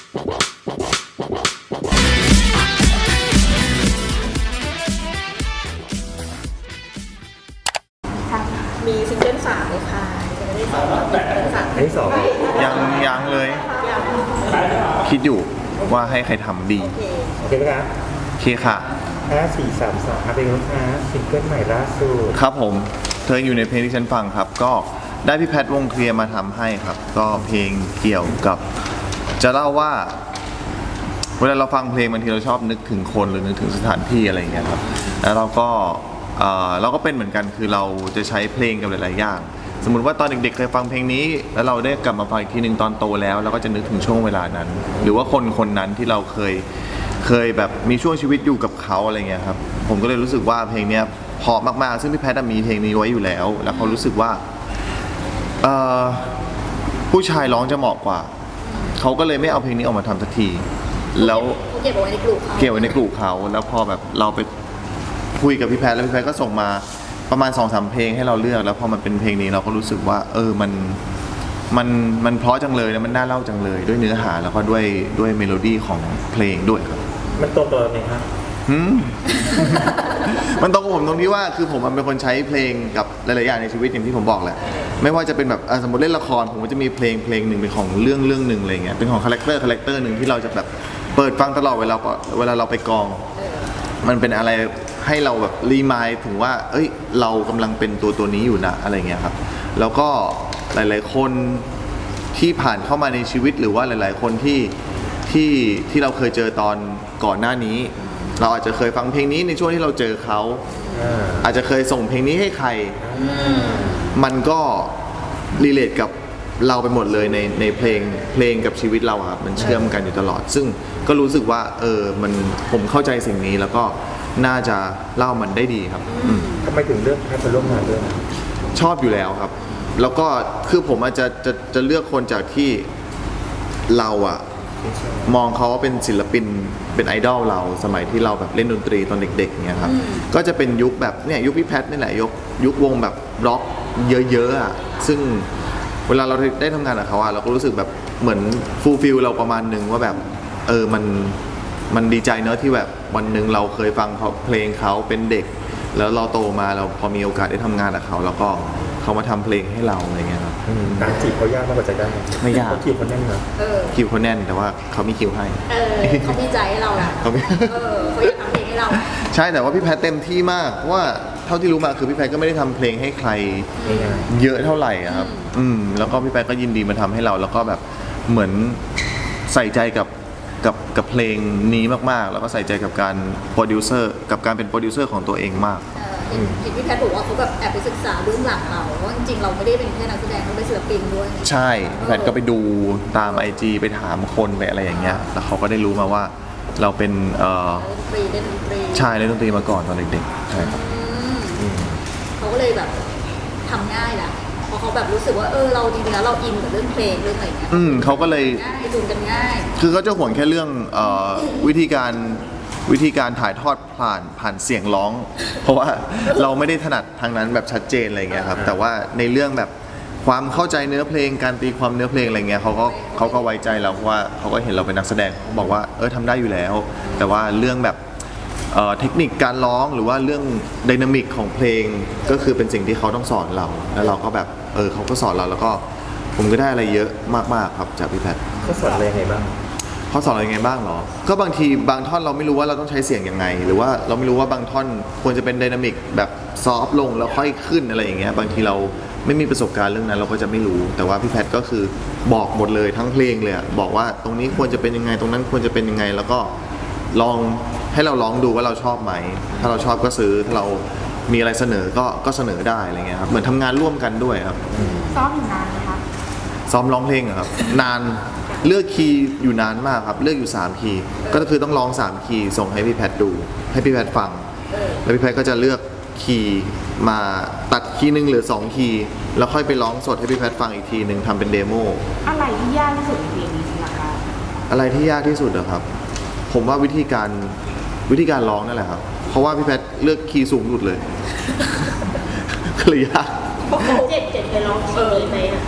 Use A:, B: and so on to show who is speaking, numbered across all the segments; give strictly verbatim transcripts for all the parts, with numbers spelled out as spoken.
A: มีซิงเกิลสามเลยค่ะจะไม่ได้สองซิงเกิลสาม
B: อันที่สองยังยังเลยคิดอยู่ว่าให้ใครทำดี
A: โอเค
C: โอเคไหมครับ
B: โอเคค่ะ
C: ห้าสี่สามสองครับเป็นลูกค้าซิงเกิลใหม่ล่าสุด
B: ครับผมเธออยู่ในเพลงที่ฉันฟังครับ ก็ได้พี่แพทวงเคลียร์มาทำให้ครับ ก็เพลงเกี่ยวกับ จะเล่าว่า เวลาเราฟังเพลงบางทีเราชอบนึกถึงคนหรือนึกถึงสถานที่อะไรอย่างเงี้ยครับแล้วเราก็เอ่อเราก็เป็นเหมือนกันคือเราจะใช้เพลงกับหลายๆอย่างสมมุติว่าตอนเด็กๆเคยฟังเพลงนี้แล้วเราได้กลับมาฟังอีกทีหนึ่งตอนโตแล้วเราก็จะนึกถึงช่วงเวลานั้น หรือว่าคนคนนั้นที่เราเคยเคยแบบมีช่วงชีวิตอยู่กับเขาอะไรเงี้ยครับผมก็เลยรู้สึกว่าเพลงเนี้ยเพราะมากๆซึ่งพี่แพทมีเพลงนี้ไว้อยู่แล้ว แล้วเขารู้สึกว่าเอ่อผู้ชายร้องจะเหมาะกว่าเขาก็เลยไม่เอาเพลงนี้ออกมาทำสักทีแล้ว
A: เขาเก็บเอาไว้ในกลุ่มเขา
B: เก็บไว้ในกลุ่มเขาแล้วพอแบบเราไปคุยกับพี่แพทแล้วพี่แพทก็ส่งมาประมาณ สองสาม เพลงให้เราเลือกแล้วพอมันเป็นเพลงนี้เราก็รู้สึกว่าเออมันมันมันเพราะจังเลยแล้วมันน่าเล่าจังเลยด้วยเนื้อหาแล้วก็ด้วยด้วยเมโลดี้ของเพลงด้วยครับ
C: มันตรงตัวไหมครับ
B: หืม มันตรงกับผมตรงที่ว่าคือผมมันเป็นคนใช้เพลงกับหลายๆอย่างในชีวิตอย่างที่ผมบอกแหละไม่ว่าจะเป็นแบบอ่ะสมมติเล่นละครผมก็จะมีเพลงเพลงหนึ่งเป็นของเรื่องเรื่องหนึ่งอะไรเงี้ยเป็นของคาแรคเตอร์คาแรคเตอร์หนึ่งที่เราจะแบบเปิดฟังตลอดเวลาเวลาเราไปกอง มันเป็นอะไรให้เราแบบรีมายถึงว่า เอ้ย เรากำลังเป็นตัวตัวนี้อยู่นะอะไรเงี้ยครับ แล้วก็หลายๆคนที่ผ่านเข้ามาในชีวิตหรือว่าหลายๆคนที่ที่ที่เราเคยเจอตอนก่อนหน้านี้ เราอาจจะเคยฟังเพลงนี้ในช่วงที่เราเจอเขา
C: อ่า
B: อาจจะเคยส่งเพลงนี้ให้ใคร มันก็รีเลทกับเราไปหมดเลยในในเพลงเพลงกับชีวิตเราอะครับมันเชื่อมกันอยู่ตลอด ซึ่งก็รู้สึกว่าเออมันผมเข้าใจสิ่งนี้แล้วก็น่าจะเล่ามันได้ดีครับอืม
C: ทำไมถึงเลือกแพทย์มาร่วมงานด้วยนะ
B: ชอบอยู่แล้วครับ แล้วก็คือผมอาจจะจะจะเลือกคนจากที่เราอะมองเขาว่าเป็นศิลปินเป็นไอดอลเราสมัยที่เราแบบเล่นดนตรีตอนเด็กๆเนี่ยครับก็จะเป็นยุคแบบเนี่ยยุคพี่แพทนี่แหละยุคยุควงแบบร็อกเยอะๆอะซึ่งเวลาเราได้ทำงานกับเขาอะเราก็รู้สึกแบบเหมือนฟูลฟิลเราประมาณหนึ่งว่าแบบเออมันมันดีใจเนอะที่แบบวันหนึ่งเราเคยฟังเขาเพลงเขาเป็นเด็ก แล้วเราโตมาเราพอมีโอกาสได้ทำงานกับเขาแล้วก็เขามาทำเพลงให้เราอะไรเงี้ยครับ
C: อืมการจีบเขายากมากกว่าจะได้
B: ไม่ยาก
C: เขาจีบคนแน่นนะ
A: เออ
B: คิวเขาแน่นแต่ว่าเขามีคิวให้
A: เออเขามีใจให้เราอะ
B: เขามี
A: เออเขาอยากทำเพลงให้เรา
B: ใช่แต่ว่าพี่แพทเต็มที่มากเพราะว่าเท่าที่รู้มาคือพี่แพทก็ไม่ได้ทำเพลงให้ใคร
C: ง่าย
B: เยอะเท่าไหร่อะครับอืมแล้วก็พี่แพทก็ยินดีมาทำให้เรา แล้วก็แบบเหมือนใส่ใจกับกับกับเพลงนี้มากๆ แล้วก็ใส่ใจกับการโปรดิวเซอร์กับการเป็นโปรดิวเซอร์ของตัวเองมาก
A: เออเห็นเห็นพี่แพทย์บอกว่าเขาแบบแอบไปศึกษาเบื้องหลังเราว่าจริงๆเราไม่ได้เป็นแค่นักแสดงเราเป็นศิลปินด้วย
B: ใช่พี่แพทก็ไปดูตาม ไอ จี ไปถามคนไปอะไรอย่างเงี้ยแล้วเขาก็ได้รู้มาว่าเราเป็นเอ่อ
A: เล่นดนตรีเล่นดนตรี
B: ชายเล่นดนตรีมาก่อนตอนเด็กๆใช่ครับ
A: อืมเขาก็เลยแบบทำง่ายแหละเพราะเขาแบบรู้สึกว่าเออเราจริงๆแล้วเราอินกับเรื่องเพลงเรื่องอะไรเงี้ย
B: อืมเขาก็เลย
A: ง่ายจูนกันง่าย
B: คือเขาจะห่วงแค่เรื่องเออวิธีการวิธีการถ่ายทอดผ่านผ่านเสียงร้อง เพราะว่าเราไม่ได้ถนัดทางนั้นแบบชัดเจนอะไรเงี้ยครับแต่ว่าในเรื่องแบบความเข้าใจเนื้อเพลงการตีความเนื้อเพลงอะไรเงี้ยเขาก็เขาก็ไว้ใจเราเพราะว่าเขาก็เห็นเราเป็นนักแสดงเขาบอกว่าเออทำได้อยู่แล้ว แต่ว่าเรื่องแบบเอ่อเทคนิคการร้องหรือว่าเรื่องไดนามิกของเพลงก็คือเป็นสิ่งที่เขาต้องสอนเรา แล้วเราก็แบบเออเขาก็สอนเราแล้วก็ผมก็ได้อะไรเยอะมากๆครับจากพี่แพท
C: ๆเขาสอนอะไรยังไงบ้าง
B: เขาสอนอะไรยังไงบ้างเหรอ ก็บางทีบางท่อนเราไม่รู้ว่าเราต้องใช้เสียงยังไง หรือว่าเราไม่รู้ว่าบางท่อนควรจะเป็นไดนามิกแบบซอฟต์ลงแล้วค่อยขึ้นอะไรอย่างเงี้ย บางทีเราไม่มีประสบการณ์เรื่องนั้นเราก็จะไม่รู้ แต่ว่าพี่แพทก็คือบอกหมดเลยทั้งเพลงเลยอะบอกว่าตรงนี้ควรจะเป็นยังไง ตรงนั้นควรจะเป็นยังไง แล้วก็ลองให้เราลองดูว่าเราชอบไหม ถ้าเราชอบก็ซื้อ ถ้าเรามีอะไรเสนอก็ก็เสนอได้อะไรเงี้ยครับ เหมือนทำงานร่วมกันด้วยครับ
D: ซ้อมอยู่นานไหมคะ
B: ซ้อมร้องเพลงอะครับ นานเลือกคีย์อยู่นานมากครับเลือกอยู่สามคีย์ก็คือต้องร้องสามคีย์ส่งให้พี่แพทดูให้พี่แพทฟัง แล้วพี่แพทก็จะเลือกคีย์มาตัดคีย์หนึ่งเหลือสองคีย์แล้วค่อยไปร้องสดให้พี่แพทฟังอีกทีหนึ่งทำเป็นเดโม
D: อะไรที่ยากที่สุดในเพลงนี้สำหรับเรา
B: อะไรที่ยากที่สุดอะครับ ผมว่าวิธีการวิธีการร้องนั่นแหละครับเพราะว่าพี่แพทเลือกคีย์สูงสุดเลย ก็เลยยาก
D: เจ็ดเจ็ดไปร้องคีย์นี้ไหมอ่ะ
B: ค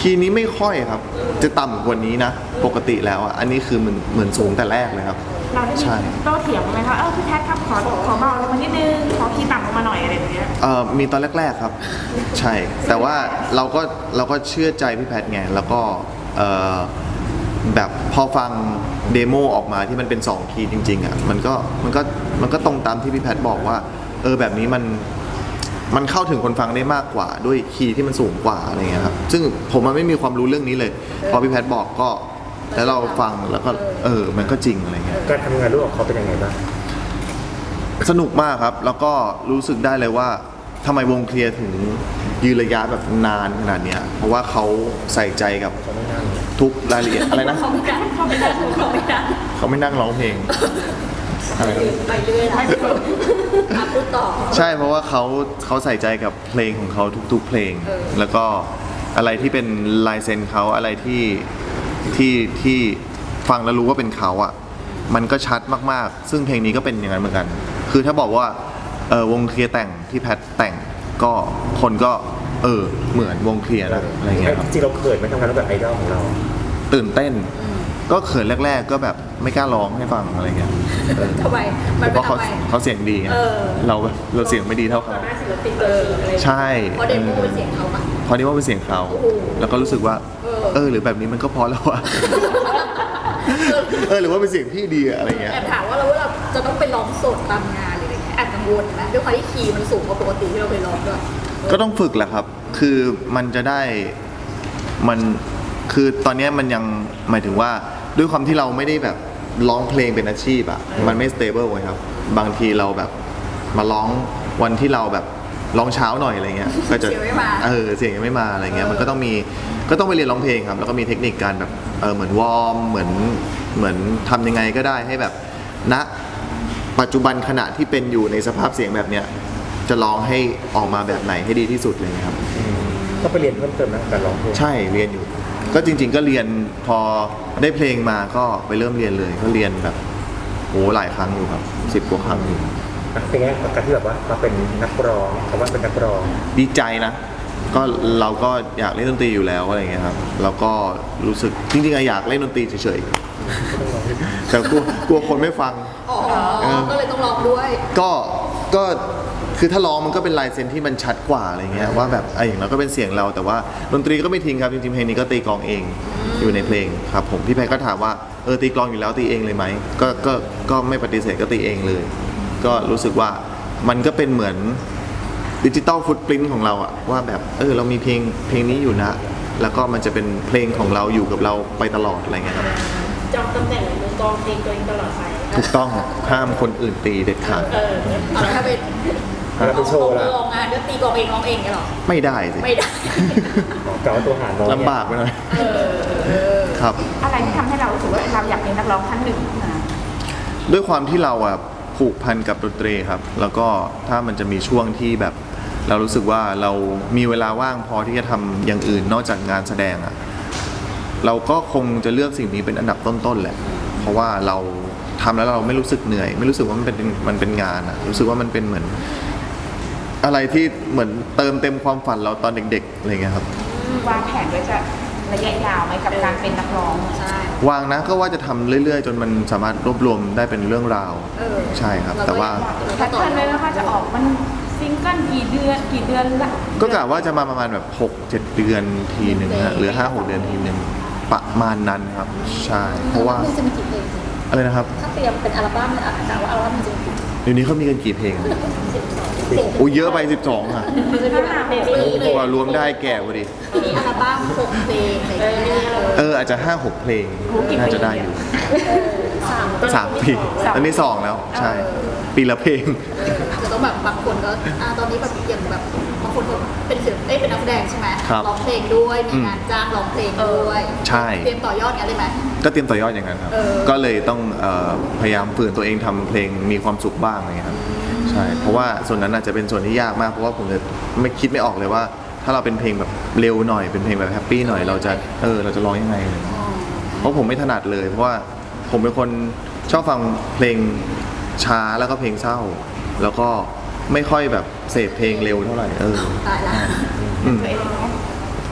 B: คีย์นี้ไม่ค่อยครับ จะต่ำกว่านี้นะ ปกติแล้วอ่ะอันนี้คือเหมือนเหมือนสูงแต่แรกเลยครับ
D: เราได้
B: ใช่
D: มีโต้เถียงไหมคะเออพี่แพทครับขอขอเบาลงมานิดนึงขอคีย์ต่ำลงมาหน่อยอะไรอย่างเงี้ย
B: เอ่อมีตอนแรกๆครับ ใช่ แต่ว่าเราก็เราก็เชื่อใจพี่แพทไงแล้วก็เอ่อแบบพอฟังเดโมออกมาที่มันเป็นสองคีย์จริงๆอ่ะมันก็มันก็มันก็ตรงตามที่พี่แพทบอกว่าเออแบบนี้มันมันเข้าถึงคนฟังได้มากกว่าด้วยคีย์ที่มันสูงกว่าอะไรเงี้ยครับซึ่งผมมันไม่มีความรู้เรื่องนี้เลย พอพี่แพทบอกก็แล้วเราฟังแล้วก็เออมันก็จริงอะไรเงี้ย
C: การทำงานร่วมกับเขาเป็นยังไงบ้าง
B: สนุกมากครับ แล้วก็รู้สึกได้เลยว่าทำไมวงเคลียร์ถึงยืนระยะแบบนานขนาดเนี้ยเพราะว่าเขาใส่ใจกับ
C: เขาไม่นั่ง
B: ทุกรายละเอียดอะไรนะ
A: เขาไม่ได้เขาไม่ได้เขาไม่ได้
B: เขาไม่นั่งร้องเพลงอะไรนะ
A: ไปเรื่อยนะอ่ะพูดต่อ
B: ใช่เพราะว่าเขาเขาใส่ใจกับเพลงของเขาทุกๆเพลง
A: เออ
B: แล้วก็อะไรที่เป็นลายเซ็นเขาอะไรที่ที่ที่ฟังแล้วรู้ว่าเป็นเขาอ่ะมันก็ชัดมากๆ ซึ่งเพลงนี้ก็เป็นอย่างนั้นเหมือนกัน คือถ้าบอกว่าเออวงเคลียร์แต่งที่แพทแต่งก็คนก็เออเหมือนวงเคลียร์นะอะไรเงี้ยครับ
C: จริงๆเราเขินไหมทำงานร่วมกับไอดอลของเรา
B: ตื่นเต้น ก็เขินแรก ๆ ก็แบบไม่กล้าร้องให้ฟังอะไรเงี้ยเออ
A: ทำไมมัน
B: เพ
A: เป็น
B: ราะเขา
A: ทำไม
B: เขาเสียงดีไง
A: เออ
B: เราแบบเราเสียงไม่ดีเท่าเขา
A: หน้าศิลปินเอออะไร
B: ใช่
A: เพราะเดโมเป็นเสียงเขาปะ
B: พอนี้ว่าเป็นเสียงเขา
A: โอ้โห
B: แล้วก็รู้สึกว่า
A: เออ
B: เออ หรือแบบนี้มันก็พอแล้ววะ เออ หรือว่าเป็นเสียงพี่ดีอะอะไรเงี้ย
A: แอบถามว่าเราว่าเราจะต้องไปร้องสดตามงานหรืออะไรเงี้ยแอบกังวลนะด้วยความที่คีย์มันสูงกว่าปกติที่เราเคยร้องด้วย
B: ก็ต้องฝึกแหละครับ คือมันจะได้ มัน คือตอนเนี้ยมันยังหมายถึงว่าด้วยความที่เราไม่ได้แบบร้องเพลงเป็นอาชีพอะมันไม่สเตเบิลเลยครับ บางทีเราแบบมาร้องวันที่เราแบบร้องเช้าหน่อยอะไรเงี้ย ก็จะ
A: เสียงไม่มา
B: เออ เสียงยังไม่มาอะไรเงี้ย มันก็ต้องมี ก็ต้องไปเรียนร้องเพลงครับ แล้วก็มีเทคนิคการแบบ เออ เหมือนวอร์ม เหมือน เหมือนทำยังไงก็ได้ให้แบบ ณ ปัจจุบันขณะที่เป็นอยู่ในสภาพเสียงแบบเนี้ย จะร้องให้ออกมาแบบไหนให้ดีที่สุดเลยครับ
C: ก็ไปเรียนเพิ่มเติมนะการร้องเพลง
B: ใช่เรียนอยู่ ก็จริง ๆ ก็เรียนพอได้เพลงมาก็ไปเริ่มเรียนเลย ก็เรียนแบบโหหลายครั้งอยู่ครับสิบกว่าครั้งอยู่
C: อ่ะเป็นไงกับการที่แบบว่ามาเป็นนักร้องคำว่าเป็นนักร้อง
B: ดีใจนะ ก็เราก็อยากเล่นดนตรีอยู่แล้วอะไรเงี้ยครับแล้วก็รู้สึกจริงๆอะอยากเล่นดนตรีเฉยๆแต่กลัวกลัวคนไม่ฟัง
A: อ๋อ
B: เออ
A: ก็เลยต้องร้องด้วย
B: ก็ก็คือถ้าร้องมันก็เป็นลายเซ็นที่มันชัดกว่าอะไรเงี้ยว่าแบบไอ้อย่างเราก็เป็นเสียงเราแต่ว่าดนตรีก็ไม่ทิ้งครับจริงๆเพลงนี้ก็ตีกลองเองอยู่ในเพลงครับผมพี่แพรก็ถามว่าเออตีกลองอยู่แล้วตีเองเลยไหมก็ก็ก็ไม่ปฏิเสธก็ตีเองเลย ก็รู้สึกว่ามันก็เป็นเหมือนดิจิตอลฟุตปรินท์ของเราอะว่าแบบเออเรามีเพลงเพลงนี้อยู่นะ แล้วก็มันจะเป็นเพลงของเราอยู่กับเราไปตลอดอะไรเงี้ยครับ
E: จองตำแหน่งมือกลองเพลงตัวเองตลอดไป
B: ถูกต้องห้ามคนอื่นตีเด็ดขาด
E: เออ
A: เอาแล้วถ้าเป็น
C: เอาแล้วไปโชว์ล่ะ
A: ร้องงานก็ตีกลองเองร้องเองเนี่ยหรอ
B: ไม่ได้สิ
A: ไม่ได้
C: กล่าวว่าตัวหารน้องเนี่ย
B: ลำบากไปหน่อยครับ
D: อะไรที่ทำให้เราถือว่าเราอยากเป็นนักร้องท่านหนึ่งขึ้นมา
B: ด้วยความที่เราอะผูกพันกับดนตรีครับ แล้วก็ถ้ามันจะมีช่วงที่แบบ เรารู้สึกว่าเรามีเวลาว่างพอที่จะทำอย่างอื่นนอกจากงานแสดงอะเราก็คงจะเลือกสิ่งนี้เป็นอันดับต้นๆแหละ เพราะว่าเราทำแล้วเราไม่รู้สึกเหนื่อย ไม่รู้สึกว่ามันเป็นมันเป็นงานอะรู้สึกว่ามันเป็นเหมือน อะไรที่เหมือนเติมเต็มความฝันเราตอนเด็กๆอะไรเงี้ยครับ
D: วางแผนไว้จะระยะยาวไหมกับการเป็นนักร้อง
A: ใช่
B: วางนะก็ว่าจะทำเรื่อยๆ จนมันสามารถรวบรวมได้เป็นเรื่องราว
A: เออ
B: ใช่ครับ แต่ว่า
D: แพทเทิร์นเลยนะคะจะออกมันซิงเกิลกี่เดือนกี่เดือนละ
B: ก็กะว่าจะมาประมาณแบบหกเจ็ดเดือนทีหนึ่งนะหรือห้าหกเดือนทีหนึ่งประมาณนั้นครับ ใช่ เพราะว่า
A: มันจะมีกี่เพลง
B: อะไรนะครับ
A: ถ้าเตรียมเป็นอัลบั้มเนี่ยอาจจะว่าอัลบั้มมันจะมีกี่
B: เดี๋ยวนี้เขามีกันกี่เพลง
A: เพลง
B: โอ้เยอะไปสิบสองอ่ะ
A: มันจะมีแบบเพลงเพลง
B: กว่ารวมได้แก่พอดี
A: มีอัลบั้มหกเพลงอะไรอย่างเงี้ยเออ
B: เอออาจจะห้าหกเพลงน่าจะได้อยู่
A: สาม
B: สามปีตอนนี้สองแล้ว ใช่ ปีละเพลง
A: จะต้องแบบบางคนก็อ่าตอนนี้แบบอย่างแบบบางคนก็เป็นศิลป์เอ้ยเป็นนักแสดงใช่ไหม
B: ครับ
A: ร้องเพลงด้วยมีงานจ้างร้องเพลงด้วย
B: ใช่
A: เตรียมต่อยอดกันได้ไหม
B: ก็เตรียมต่อยอดอย่างนั้นครับ
A: เออ
B: ก็เลยต้องเอ่อพยายามฝืนตัวเองทำเพลงมีความสุขบ้างอะไรเงี้ยครับ ใช่ เพราะว่าส่วนนั้นอาจจะเป็นส่วนที่ยากมาก เพราะว่าผมจะไม่คิดไม่ออกเลยว่า ถ้าเราเป็นเพลงแบบเร็วหน่อย เป็นเพลงแบบแฮปปี้หน่อย เราจะ เออ เราจะร้องยังไงเลยเพราะผมไม่ถนัดเลย เพราะว่าผมเป็นคนชอบฟังเพลงช้าแล้วก็เพลงเศร้า แล้วก็ไม่ค่อยแบบเสพเพลงเร็วเท่าไหร่ เออ
A: ตายละ
B: อืม
D: ตัวเองเนาะ
B: ใ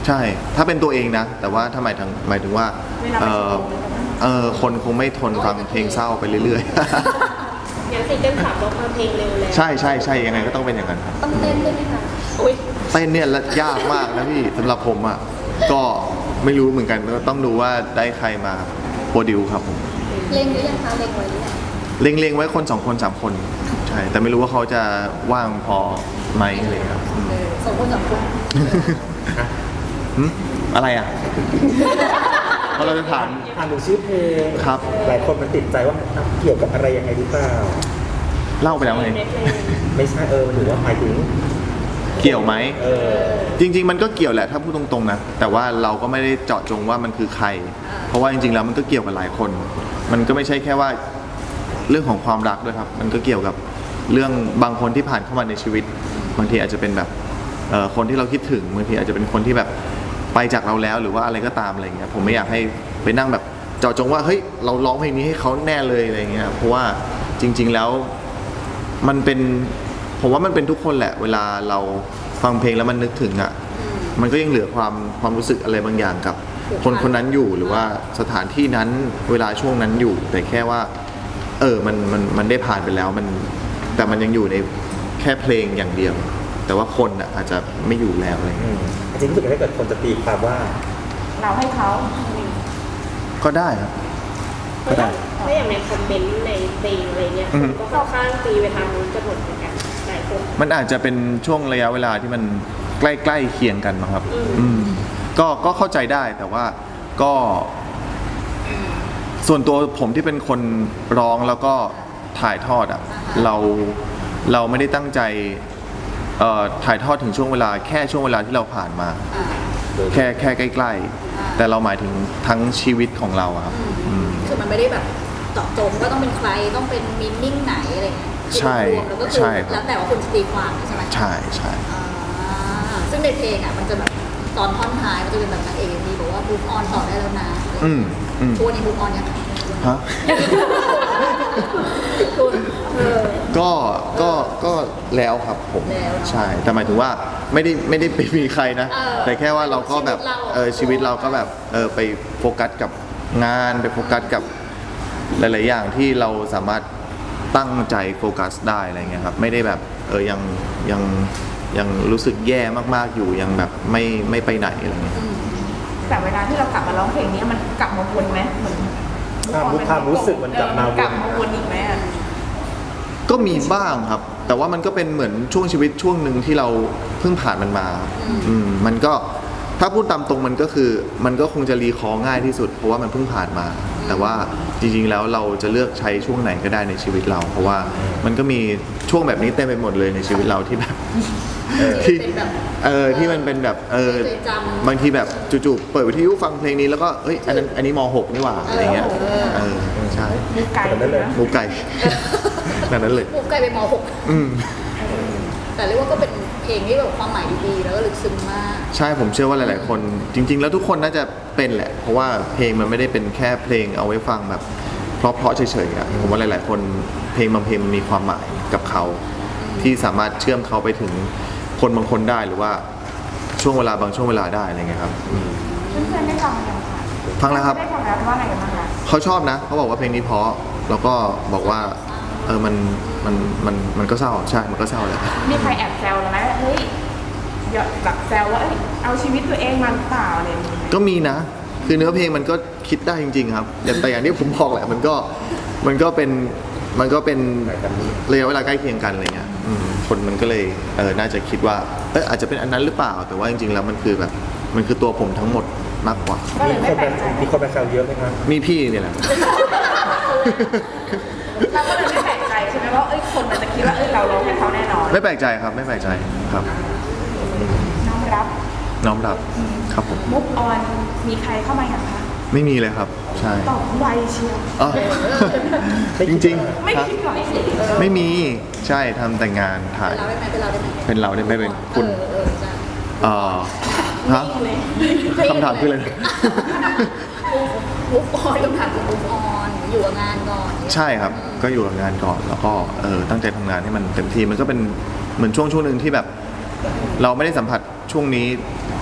B: ใช่ ถ้าเป็นตัวเองนะ แต่ว่าถ้าหมายถึงหมายถึงว่า เออเออคนคงไม่ทนฟังเพลงเศร้าไปเรื่อยๆ
E: อย่างซิงเกิลสามเราฟังเพลงเร็วแล้ว
B: ใช่ใช่ใช่ยังไงก็ต้องเป็นอย่างนั้นครับ
A: ต้องเต้นด้วยไหมคะโอ้ย
B: เต้นเนี่ยละยากมากนะพี่สำหรับผมอ่ะก็ไม่รู้เหมือนกันก็ต้องดูว่าได้ใครมาโปรดิวครับผม
A: เล็งหรือยังคะเล็งไว้หรือยัง
B: เล็งๆไว้คนสองคนสามคนใช่แต่ไม่รู้ว่าเขาจะว่างพอไหมอะไรครับ
A: เออสองคนสามคน
B: หึอะไรอ่ะ เพราะเราจะถาม
C: อ่านดูชื่อเพลง
B: ครับ
C: หลายคนมันติดใจว่ามันเกี่ยวกับอะไรยังไงหรือเปล่า
B: เล่าไปแล้วไง
E: ในเพลง
C: ไม่ใช่เออมันถือว่าหมายถึง
B: เกี่ยวไหม
C: เออ
B: จริง ๆ มันก็เกี่ยวแหละถ้าพูดตรงๆนะแต่ว่าเราก็ไม่ได้เจาะจงว่ามันคือใคร เพราะว่าจริงๆแล้วมันก็เกี่ยวกับหลายคน มันก็ไม่ใช่แค่ว่าเรื่องของความรักด้วยครับ มันก็เกี่ยวกับเรื่องบางคนที่ผ่านเข้ามาในชีวิต บางทีอาจจะเป็นแบบเอ่อคนที่เราคิดถึงบางทีอาจจะเป็นคนที่แบบไปจากเราแล้วหรือว่าอะไรก็ตามอะไรเงี้ยผมไม่อยากให้ไปนั่งแบบเจาะจงว่าเฮ้ยเราร้องเพลงนี้ให้เขาแน่เลยอะไรเงี้ยเพราะว่าจริง ๆแล้วมันเป็นผมว่ามันเป็นทุกคนแหละ เวลาเราฟังเพลงแล้วมันนึกถึงอ่ะมันก็ยังเหลือความความรู้สึกอะไรบางอย่างกับคนคนนั้นอยู่หรือว่าสถานที่นั้นเวลาช่วงนั้นอยู่ แต่แค่ว่า เออมันมันมันได้ผ่านไปแล้วมันแต่มันยังอยู่ในแค่เพลงอย่างเดียว แต่ว่าคนอ่ะอาจจะไม่อยู่แล้วอะไร
C: อื
B: เงี้ย
C: มจริงๆรู้สึกว่าถ้าเกิดคนจะตีความว่า
D: เราให้เขา
B: ก็ได้ครับ ก็ได้
E: ถ้าอย่างในคอมเมนต์ในเพลงอะไรเงี้ย
B: อื
E: ค
B: ม
E: นก็ค่อนข้างตีไปทางนู้นกันหมดเหมือนกันหลายคน
B: มันอาจจะเป็นช่วงระยะเวลาที่มันใกล้ๆเคียงกันมั้งครับ
E: อืม
B: อืมก็ก็เข้าใจได้แต่ว่าก็ ส่วนตัวผมที่เป็นคนร้องแล้วก็ถ่ายทอดอ่ะเราเราไม่ได้ตั้งใจเอ่อถ่ายทอดถึงช่วงเวลาแค่ช่วงเวลาที่เราผ่านมา
A: อ่า
B: แค่แค่ใกล้ๆแต่เราหมายถึงทั้งชีวิตของเราอะครับอืม
A: คือมันไม่ได้แบบเจาะจงว่าต้องเป็นใครต้องเป็นมินนิ่งไหนอะไรเงี้ย
B: ใช่
A: รวมๆแล้วก็คื
B: ใช่
A: อ
B: ครับ
A: แล้วแต่ว่าคุณจะตีความใช่ไหม
B: ใช่ใช่
A: อ่าซึ่งในเพลงอ่ะมันจะแบบตอนท่อนท้ายมันจะเป็นแบบนางเอกมีบอกว่าบูฟออนต่อได้แล้วนะ
B: อืมอืม
A: ทัวร์นี้บูฟออนยังไง
B: ฮะ
A: คุณเออ
B: ก็ก็ก็แล้วครับผม
A: แล้วเนอะ
B: ใช่แต่หมายถึงว่าไม่ได้ไม่ได้ไปมีใครนะ
A: เออ
B: แต่แค่ว่าเราก็แบบ
A: ชีวิตเรา
B: เออชีวิตเราก็แบบเออไปโฟกัสกับงานไปโฟกัสกับหลาย ๆ อย่างที่เราสามารถตั้งใจโฟกัสได้อะไรเงี้ยครับไม่ได้แบบเออยังยังยังรู้สึกแย่มาก ๆ อยู่ยังแบบไม่ไม่ไปไหนอะไรเงี้ย
D: แต่เวลาที่เรากลับมาร้องเพลงนี้มันกลับมาวนไหมเหมือน
C: ความรู้ความรู้สึกมันกลับมาวน
D: กลับมาวนอีกไหมอะ
B: ก็มีบ้างครับ แต่ว่ามันก็เป็นเหมือนช่วงชีวิตช่วงหนึ่งที่เราเพิ่งผ่านมันมาอืมมันก็ถ้าพูดตามตรงมันก็คือมันก็คงจะรีคอร์ง่ายที่สุด เพราะว่ามันเพิ่งผ่านมา แต่ว่าจริง ๆ แล้วเราจะเลือกใช้ช่วงไหนก็ได้ในชีวิตเรา เพราะว่ามันก็มีช่วงแบบนี้เต็มไปหมดเลยในชีวิตเราที่แบบ ที่
A: เป็นแบบ
B: เออที่มันเป็นแบบเออ
A: เคยจำ
B: บางทีแบบจู่ๆเปิดวิทยุฟังเพลงนี้แล้วก็เอ้ยอันนั้นอันนี้ม หกนี่หว่าอะไรเงี้ย
A: เออ
B: เออใช่
D: มุกไก่
C: แบบนั้นเลย
B: หมูไก่ แบบนั้นเลย
A: บูฟไกลไปมหก
B: อืม
A: แต่เรียกว่าก็เป็นเพลงที่แบบความหมายดีๆแล้วก็ลึกซึ้งมาก
B: ใช่ผมเชื่อว่าหลาย ๆ คน จริง ๆ แล้วทุกคนน่าจะเป็นแหละ เพราะว่าเพลงมันไม่ได้เป็นแค่เพลงเอาไว้ฟังแบบเพราะๆเฉยๆอะผมว่าหลาย ๆ คนเพลงบางเพลงมันมีความหมายกับเขา ที่สามารถเชื่อมเขาไปถึงคนบางคนได้หรือว่าช่วงเวลาบางช่วงเวลาได้อะไรเงี้ยครับอืม
D: เพื่อนๆได้ฟังยังคะ
B: ฟังแล้วครับ
D: ได้ฟังแล้วว่าอะไรกันบ้างคะ
B: เขาชอบนะเขาบอกว่าเพลงนี้เพราะแล้วก็บอกว่าเออมันมันมันมันก็เศร้าใช่มันก็เศร้าแหละ
D: มีใครแอบแซวเราไหมว่าเฮ้ยหยอดแบบแซวว่าเอ้ยเอาชีวิตตัวเองมาหรือเปล่าอะไรอย่างเงี้ย
B: ก็มีนะ คือเนื้อเพลงมันก็คิดได้จริง ๆ ครับอย่างแต่อย่างที่ผมบอกแหละ มันก็มันก็เป็นมันก็เป็นระยะเวลาใกล้เคียงกันอะไรเงี้ยอืมคนมันก็เลยเออน่าจะคิดว่าเอออาจจะเป็นอันนั้นหรือเปล่า แต่ว่าจริงๆแล้วมันคือแบบมันคือตัวผมทั้งหมดมากกว่า
D: ก็เล
C: มี
D: ย
C: ค
D: ไม่
C: น
D: แปล
C: มาก
D: ใจ
C: มีคนมาแซวเยอะไหมครับ
B: มีพี่เนี่ยแหละ
D: เราก็เลยไม่แปลกใจใช่ไหมว่าเอ้ยคนมันจะคิดว่าเอ้ยเราร้องให้เขาแน่นอน
B: ไม่แปลกใจครับไม่แปลกใจครับ
D: น้อมรับ
B: น้อมรับครับผม
D: มุกออนมีใครเข้ามาอย่างคะ
B: ไม่มีเลยครับ ใช่
D: ตอบไวเชียว
B: อ๋อจริงๆ
D: ไม่
B: ฮะ
D: คิดก่อน
B: ไม่มีใช่ทำแต่งานถ่าย
A: เป็นเราได้ไหมเป็นเราได้ไหม
B: เป็นเราได้ไม่เป็นคุณ
A: เออเออใช่
B: เอ่อฮะคำถามคืออะไรนะ
A: มูฟออนคำถามคือมูฟออนอยู่กับงานก่อน
B: ใช่ครับ ก็อยู่กับงานก่อน แล้วก็เออตั้งใจทำงานให้มันเต็มที่ มันก็เป็นเหมือนช่วงช่วงหนึ่งที่แบบ เราไม่ได้สัมผัสช่วงนี้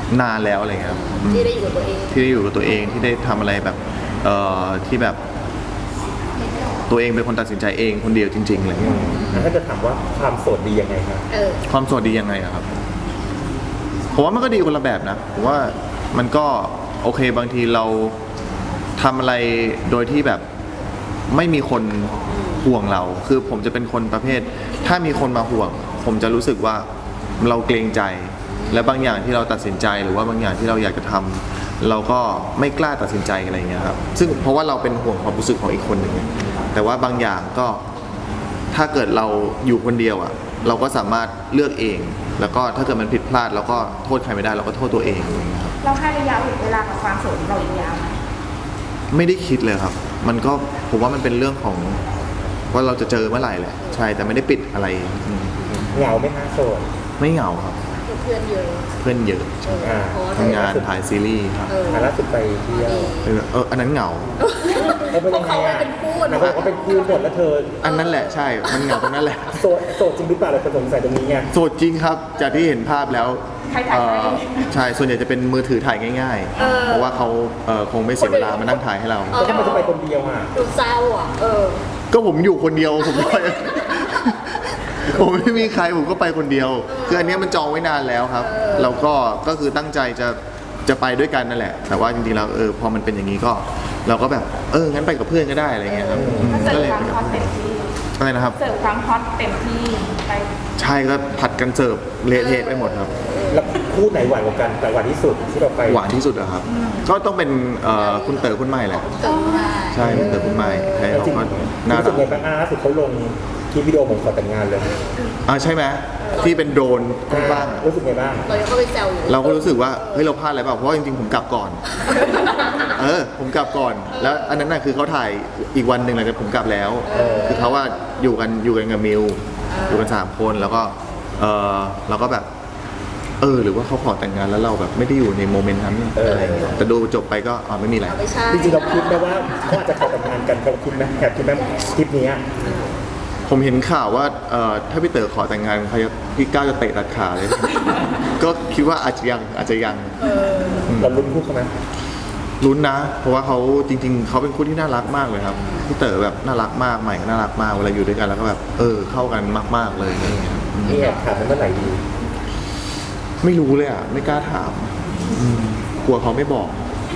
B: นานแล้วอะไรเงี้ยครับ
A: ที่ได้อยู่กับตัวเอง
B: ที่ได้อยู่กับตัวเองที่ได้ทำอะไรแบบเอ่อที่แบบตัวเองเป็นคนตัดสินใจเองคนเดียวจริงๆอะไรเงี้ย
C: แล้วถ้าจะถามว่าความโสดดียังไงครับ
A: เออ
B: ความโสดดียังไงอะครับผมว่ามันก็ดีคนละแบบนะผมว่ามันก็โอเคบางทีเราทำอะไรโดยที่แบบไม่มีคนห่วงเรา คือผมจะเป็นคนประเภท ถ้ามีคนมาห่วง ผมจะรู้สึกว่าเราเกรงใจ และบางอย่างที่เราตัดสินใจหรือว่าบางอย่างที่เราอยากจะทำเราก็ไม่กล้าตัดสินใจอะไรอย่างเงี้ยครับซึ่งเพราะว่าเราเป็นห่วงความรู้สึกของอีกคนหนึ่งแต่ว่าบางอย่างก็ถ้าเกิดเราอยู่คนเดียวอ่ะเราก็สามารถเลือกเอง แล้วก็ถ้าเกิดมันผิดพลาดเราก็โทษใครไม่ได้เราก็โทษตัวเองอะไรอย่างเงี้ยครับ
D: เราให้ระยะเวลากับความโสดของเราอีกยาวไหม
B: ไม่ได้คิดเลยครับ มันก็ผมว่ามันเป็นเรื่องของว่าเราจะเจอเมื่อไหร่แหละใช่แต่ไม่ได้ปิดอะไรอืม
C: เหงาไหมฮะโสด
B: ไม่เหงาครับ
A: เพื่อนเยอะ
B: เพื่อนเยอะ
A: เออเพราะว่า
B: ทำงานถ่ายซีรีส์ครับ
A: เออ
C: อ่ะล่าสุดไปเที่ยว
B: เออเอออันนั้นเหงา
C: เออเป็นยังไงอ่ะ
A: เขาเป็นคู่
C: นางบอกว่าเป็นคู่หมดแล้วเธอ
B: อันนั้นแหละใช่ มันเหงาตรงนั้นแหละ
C: โสดโสดจริงหรือเปล่าเราสงสัยตรงนี้ไง
B: โสดจริงครับ จากที่เห็นภาพแล้ว
D: ใครถ่าย
B: เอ่
D: ให้
B: อใช่ ส่วนใหญ่จะเป็นมือถือถ่ายง่าย
A: เออ
B: ๆ เพราะว่าเขาเอ่อคงไม่เสียเวลามานั่งถ่ายให้เรา
C: แล้วทำไมจะไปคนเดียวอ่ะ
A: ดูเศร้าอ่ะ เออ
B: ก็ผมอยู่คนเดียวผมไป ผมไม่มีใครผมก็ไปคนเดียว คืออันเนี้ยมันจองไว้นานแล้วครับ แล้วก็ก็คือตั้งใจจะจะไปด้วยกันนั่นแหละ แต่ว่าจริงๆแล้วเออพอมันเป็นอย่างนี้ก็ เราก็แบบเอองั้นไปกับเพื่อนก็ได้อะไรเงี้ยครับอืม
D: เสิ
B: ก็
D: ร์ฟ
B: เลย
D: ความ
B: ไปกับ
D: ฮอต
B: เพื่อน
D: เต็มที่
B: อะไรนะครับ
D: เสิร์ฟความฮอตเต็มที่ไป
B: ใช่ก็ผัดกันเสิร์ฟเละเทะไปหมดครับ
C: แล้วคู่ไหนหวานกว่ากันแต่หวานที่สุดที่เราไป
B: หวานที่สุดอะครับ ก็ต้องเป็นเอ่อคุณเต๋อคุณใหม่แหละ
A: เกิดมา
B: ใช่คุณเต๋อคุณใหม่ใช่
C: แล้ว
B: เขา
C: จริง
B: ก็น่า
C: รู้สึ
B: รั
C: ก
B: ก
C: ไงบ้างอ่ะล่าสุดเขาลงคลิปวิดีโอเหมือนขอแต่งงานเลย
B: อ่าใช่ไหมที่เป็นโดรนกว้างๆอะ
C: รู้สึกไงบ้าง
A: เรายังเข้าไปแซวอยู่
B: เราก็รู้สึกว่าเฮ้ยเราพลาดอะไรเปล่าเพราะว่าจริงๆผมกลับก่อน เออผมกลับก่อน แล้วอันนั้นน่ะคือเขาถ่ายอีกวันหนึ่งหลังจากผมกลับแล้ว คือเขาว่าอยู่กันอยู่กันกับมิวอยู่กันสามคนแล้วก็เออเราก็แบบ เออ หรือว่าเขาขอแต่งงานแล้วเราแบบไม่ได้อยู่ในโมเมนต์นั้นอะไรอย่างเงี้ยแต่ดูจบไปก็อ๋อไม่มีอะไร
A: เอาไม่ใช่
C: จริงๆเราคิดไหมว่าเขาอาจจะขอแต่งงานกันเราคิดไหมแอบคิดไหมคลิปนี้อะ
B: ผมเห็นข่าวว่าเอ่อถ้าพี่เต๋อขอแต่งงานเขาจะพี่ก้าวจะเตะตัดขาเลย ก็คิดว่าอาจจะยังอาจจะยัง
C: เราลุ้นคู่เขาไหม
B: ลุ้นนะ เพราะว่าเขาจริง ๆเขาเป็นคู่ที่น่ารักมากเลยครับพี่เต๋อแบบน่ารักมากใหม่ก็น่ารักมากเวลาอยู่ด้วยกันแล้วก็แบบเออเข้ากันมากๆเลยอะไรอย่างเงี้ยครับอืม
C: นี่แอบถามมันเมื่อไหร่ดี
B: ไม่รู้เลยอ่ะไม่กล้าถามอืมกลัวเขาไม่บอก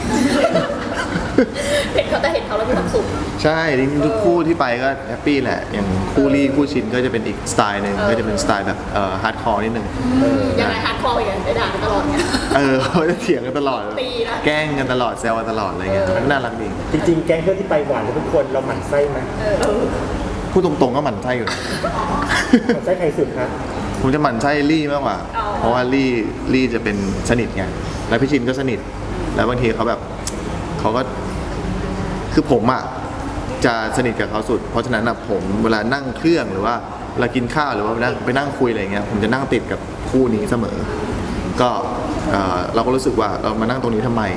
A: เห็นเขาแต่เห็นเขาแล้วมีความสุข
B: ใช่จริงๆทุกคู่ที่ไปก็แฮปปี้แหละ อย่างคู่รี่คู่ชินก็จะเป็นอีกสไตล์หนึ่ง
A: เออ
B: ก็จะเป็นสไตล์แบบเอ่อฮาร์ดคอร์นิดนึง
A: ยังไงฮาร์ดคอร์อย่างได้ด่ากันตลอดเนี่ย
B: เออเขาจะเถียงกันตลอด
A: ตีนะ
B: แกล้งกันตลอดแซวกันตลอดอะไรเงี้ยมันน่ารักดี
C: จริงๆ แก๊งเพื่อนที่ไปหวานทุกคนเราหมั่นไส้ไหม
A: เออ
B: พูดตรงๆก็หมั่นไส้อยู่นะ
C: หมั่นไส้ใครสุดคะ
B: ผมจะหมั่นไส้ลี่มากกว่า
A: อ๋อ
B: เพราะว่าลี่ลี่จะเป็นสนิทไงแล้วพี่ชินก็สนิท แล้วบางทีเขาแบบเขาก็คือผมอ่ะจะสนิทกับเขาสุด เพราะฉะนั้นอะผมเวลานั่งเครื่องหรือว่าเวลากินข้าวหรือว่าไปนั่งไปนั่งคุยอะไรเงี้ยผมจะนั่งติดกับคู่นี้เสมอ ก็เอ่อเราก็รู้สึกว่าเรามานั่งตรงนี้ทำไม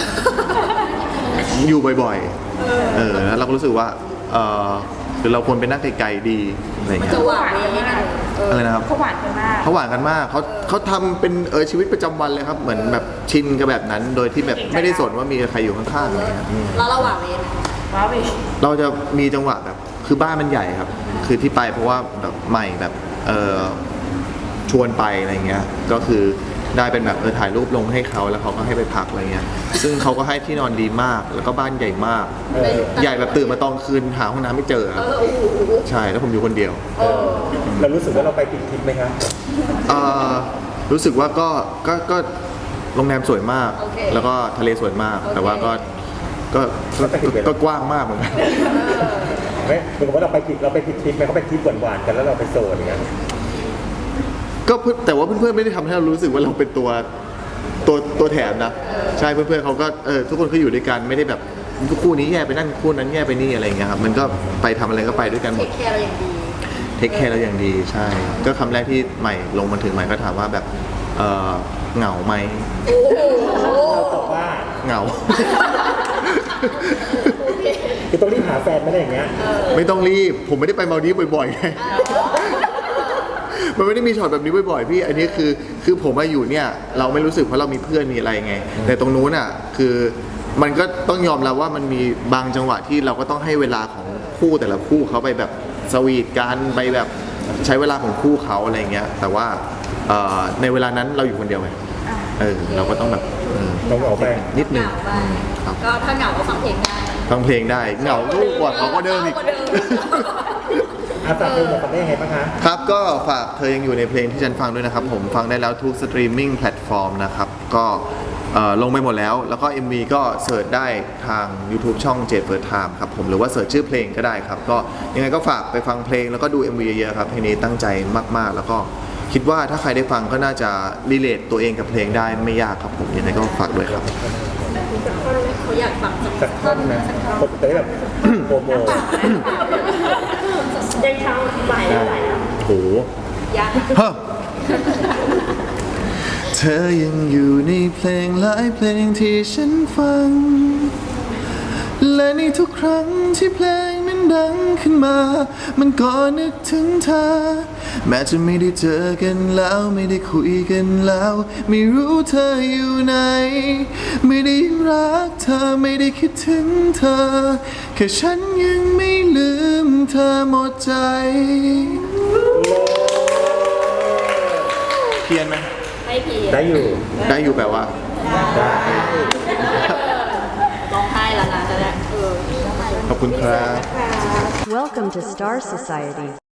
B: อยู่บ่อยๆ เออ แล้วเราก็รู้สึกว่า เออหรือเราควรไปนั่งไกลๆดีอะไร
A: มัน
B: เงี้
A: จะ
B: ย
A: หวานเลยนะเออ
B: อะไรนะครับ
D: เขาหวานกันมาก
B: เขาหวานกันมาก เขาเขาทำเป็นเออชีวิตประจำวันเลยครับ เหมือนแบบชินกับแบบนั้น โดยที่แบบไม่ได้สนว่ามีใครอยู่ข้างๆอะไรเงี้ย
A: แล้วเราหวานเลย
D: ว้าวอีก
B: เราจะมีจังหวะแบบ คือบ้านมันใหญ่ครับ คือที่ไปเพราะว่าแบบใหม่แบบ เออชวนไปอะไรเงี้ย ก็คือได้เป็นแบบเออถ่ายรูปลงให้เขาแล้วเขาก็ให้ไปพักอะไรเงี้ย ซึ่งเขาก็ให้ที่นอนดีมาก แล้วก็บ้านใหญ่มาก
C: เออ
B: ใหญ่แบบตื่นมาตอนคืนหาห้องน้ำไม่เจอค
A: เอ
B: รับ
A: อโอ้โห
B: ใช่ แล้วผมอยู่คนเดียว
A: เออ
C: เรารู้สึกว่าเราไปผิดทริปไหมครับ
B: เอ่อรู้สึกว่าก็ก็ก็โรงแรมสวยมาก
A: โอเค
B: แล้วก็ทะเลสวยมาก
A: โอเค
B: แต่ว่าก็ก็ก็ก็ก็กว้างมากเหมือนกัน
C: ไม่เหมือนกับว่าเราไปผิดเราไปผิดทริปไหมเขาไปทริปหวานๆกันแล้วเราไปโซนอย่างเงี้ย
B: ก็เพื่อนแต่ว่าเพื่อนๆไม่ได้ทำให้เรารู้สึกว่าเราเป็นตัวตัวตัวแถมนะ ใช่เพื่อนๆเขาก็เออทุกคนเขาอยู่ด้วยกันไม่ได้แบบคู่นี้แย่ไปนั่นคู่นั้นแย่ไปนี่อะไรอย่างเงี้ยครับมันก็ไปทำอะไรก็ไปด้วยกันห
A: เท
B: มด
A: คแคร์เราอย่างดี
B: เทคแคร์เราอย่างดีใช่ ก็คำแรกที่ใหม่ลงมาถึงใหม่ก็ถามว่าแบบเออเหงาไหม
A: โอ้โห
C: เราตอบว่า
B: เหงา
A: โอเค
C: คือต้องรีบหาแฟนไม่ได้อย่างเงี้ย
B: ไม่ต้องรีบ ผมไม่ได้ไปมาลดีฟบ่อยๆไงมันไม่ได้มีช็อตแบบนี้บ่อยๆพี่ อันนี้คือคือผมมาอยู่เนี่ยเราไม่รู้สึกเพราะเรามีเพื่อนมีอะไรไง แต่ตรงนู้นอ่ะคือมันก็ต้องยอมรับว่ามันมีบางจังหวะที่เราก็ต้องให้เวลาของคู่แต่ละคู่เขาไปแบบสวีทกันไปแบบใช้เวลาของคู่เขาอะไรเงี้ยแต่ว่าเอ่อในเวลานั้นเราอยู่คนเดียวไงเออเราก็ต้องแบบเออ
C: ต้องเอาไป
B: นิด
A: เห
B: นึง
A: งาไป
B: ครับ
A: ก็ถ้าเหงาก็ฟังเพลงได้
B: ฟังเพลงได้เหงาลูกกว่าเขาก็เดิมอีก
A: กว่าเดิม
C: อาฝากเพลงบอกกันได้ยังไงบ้างคะ
B: ครับก็ฝากเธอยังอยู่ในเพลงที่ฉันฟังด้วยนะครับผมฟังได้แล้วทุกสตรีมมิ่งแพลตฟอร์มนะครับก็เอ่อลงไปหมดแล้วแล้วก็ เอ็ม วี ก็เสิร์ชได้ทาง YouTube ช่องเจเฟิร์สไทม์ครับผมหรือว่าเสิร์ชชื่อเพลงก็ได้ครับก็ยังไงก็ฝากไปฟังเพลงแล้วก็ดู เอ็ม วี เยอะๆครับเพลงนี้ตั้งใจมากๆ แล้วก็คิดว่าถ้าใครได้ฟังก็น่าจะรีเลทตัวเองกับเพลงได้ไม่ยากครับผมยังไงก็ฝากด้วยครับ
A: เขาอยากฟังสัก
C: สักท่อนนะผมจะได้แบบโปรโมท
E: ยังเช้าบ่ายแล้วบ่ายแล้ว
B: โห
A: ยาก
B: เฮ้อเธอยังอยู่ในเพลงหลายเพลงที่ฉันฟัง และในทุกครั้งที่เพลงนั้นดังขึ้นมา มันก็นึกถึงเธอ แม้จะไม่ได้เจอกันแล้วไม่ได้คุยกันแล้ว ไม่รู้เธออยู่ไหน ไม่ได้รักเธอไม่ได้คิดถึงเธอ แค่ฉันยังไม่ลืมเธอหมดใจ เพี้ยนไหม
A: ไม่พี
C: ได้อยู่
B: ได้อยู่แปลว่า
C: ได้
A: ร้องไห้แล้วนะจะได้เออ
B: ขอบคุณครับ
F: Welcome to Star Society.